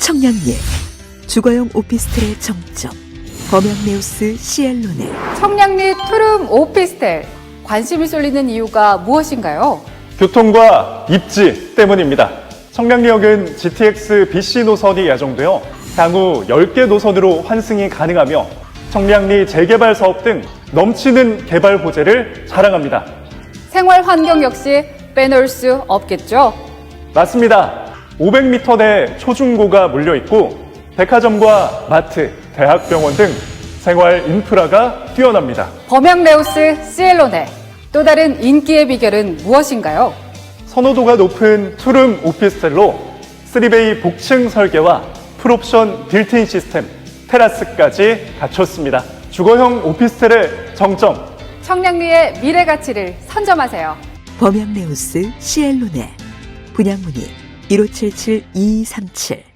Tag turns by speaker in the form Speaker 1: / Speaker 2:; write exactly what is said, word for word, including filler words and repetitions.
Speaker 1: 청량리 주거용 오피스텔의 정점 범양네우스 시엘로네.
Speaker 2: 청량리 투룸 오피스텔, 관심이 쏠리는 이유가 무엇인가요?
Speaker 3: 교통과 입지 때문입니다. 청량리역은 지티엑스 비씨 노선이 예정되어 향후 열 개 노선으로 환승이 가능하며 청량리 재개발 사업 등 넘치는 개발 호재를 자랑합니다.
Speaker 2: 생활 환경 역시 빼놓을 수 없겠죠?
Speaker 3: 맞습니다. 오백 미터 내 초중고가 몰려 있고 백화점과 마트, 대학병원 등 생활 인프라가 뛰어납니다.
Speaker 2: 범양레우스 시엘로네, 또 다른 인기의 비결은 무엇인가요?
Speaker 3: 선호도가 높은 투룸 오피스텔로 쓰리베이 복층 설계와 풀옵션 빌트인 시스템, 테라스까지 갖췄습니다. 주거형 오피스텔의 정점.
Speaker 2: 청량리의 미래 가치를 선점하세요.
Speaker 1: 범양네우스 시엘로네. 분양문의 일오칠칠 이이삼칠